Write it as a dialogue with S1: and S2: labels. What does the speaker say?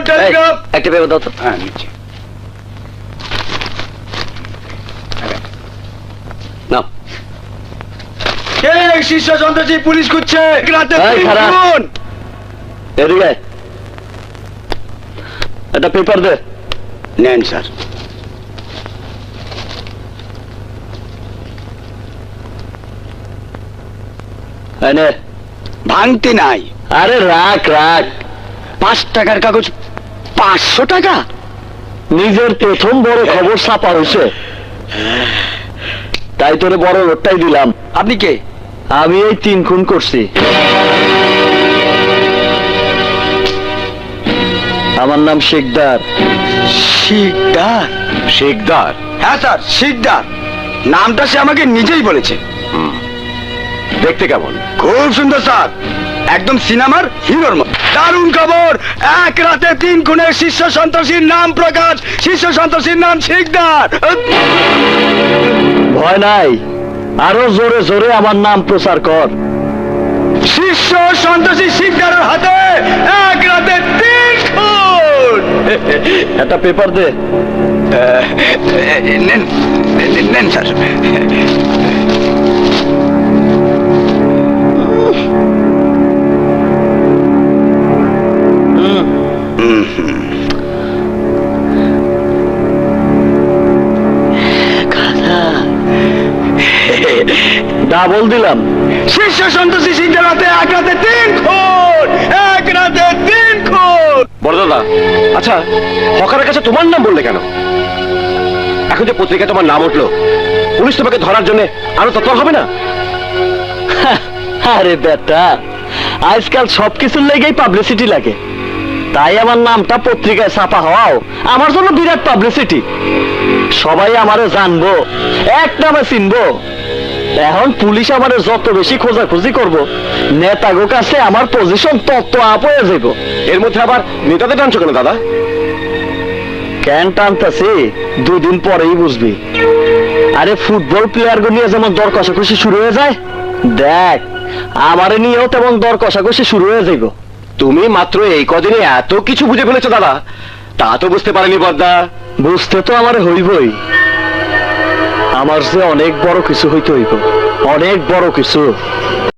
S1: Telegram.
S2: একটা paper দাও তো।
S1: হ্যাঁ নিচ্ছি।
S2: নাও।
S1: কে শীর্ষ সন্ত্রাসী? পুলিশ খুঁজছে। রাতে
S2: এই, খারাপ।
S1: খুন।
S2: এদিকে আয়। একটা পেপার দে।
S1: নেন স্যার।
S2: এই নে।
S1: ভাঙতে নাই।
S2: আরে রাখ রাখ।
S1: 5 টাকার কাগজ 500 টাকা।
S2: নিজের প্রথম বড় খবর ছাপা হয়েছে, তাই তোরে বড় লোটটাই দিলাম।
S1: আপনি কে?
S2: আমি এই 3 খুন করছি। আমার নাম শেখদার।
S1: শিকদার?
S3: শেখদার?
S1: হ্যাঁ স্যার, শিকদার। নামটা সে আমাকে নিজেই বলেছে।
S3: দেখতে কেমন?
S1: খুব সুন্দর স্যার, একদম সিনেমার হিরোর মতো। দারুণ খবর, এক রাতে 3 খুনের শীর্ষ সন্ত্রাসীর নাম প্রকাশ। শীর্ষ সন্ত্রাসীর নাম শিকদার।
S2: ভয় নাই, আরো জোরে জোরে আমার নাম প্রচার কর।
S1: শীর্ষ সন্ত্রাসী শিকদারের হাতে এক রাতে 3 খুন।
S2: একটা পেপার দে।
S1: নেন নেন স্যার।
S2: ডাবল দিলাম।
S1: শীর্ষ সন্ত্রাসী শিকদার হাতে এক রাতে 3 খুন। এক রাতে 3 খুন।
S3: বড় দাদা, আচ্ছা হকারের কাছে তোমার নাম বললে কেন? এখন যে পত্রিকায় তোমার নাম উঠলো, পুলিশ তোমাকে ধরার জন্য আরো তৎপর হবে না?
S2: আরে বেটা, আজকাল সবকিছুর লেগেই পাবলিসিটি লাগে, তাই আমার নামটা পত্রিকায় ছাপা হওয়াও আমার জন্য বিরাট পাবলিসিটি। সবাই আমারে জানবো, এক নামে চিনবো। এখন পুলিশ আমারে যত বেশি খোঁজাখুঁজি করবো, নেতাগো কাছে আমার পজিশন তত আপ হয়ে যাব।
S3: এর মধ্যে আবার নেতাদের টানছো কেন দাদা?
S2: কেন টানতাছি 2 দিন পরেই বুঝবি। আরে ফুটবল প্লেয়ার গো নিয়ে যেমন দর কষাকষি শুরু হয়ে যায়, দেখ আমারে নিয়েও তেমন দর কষাকষি শুরু হয়ে যাইব।
S3: তুমি মাত্র এই কদিনে এত কিছু বুঝে ফেলেছো দাদা, তা তো বুঝতে পারেনি বদ্দা।
S2: বুঝতে তো আমার হইবই, আমার যে অনেক বড় কিছু হইতে হইব, অনেক বড় কিছু।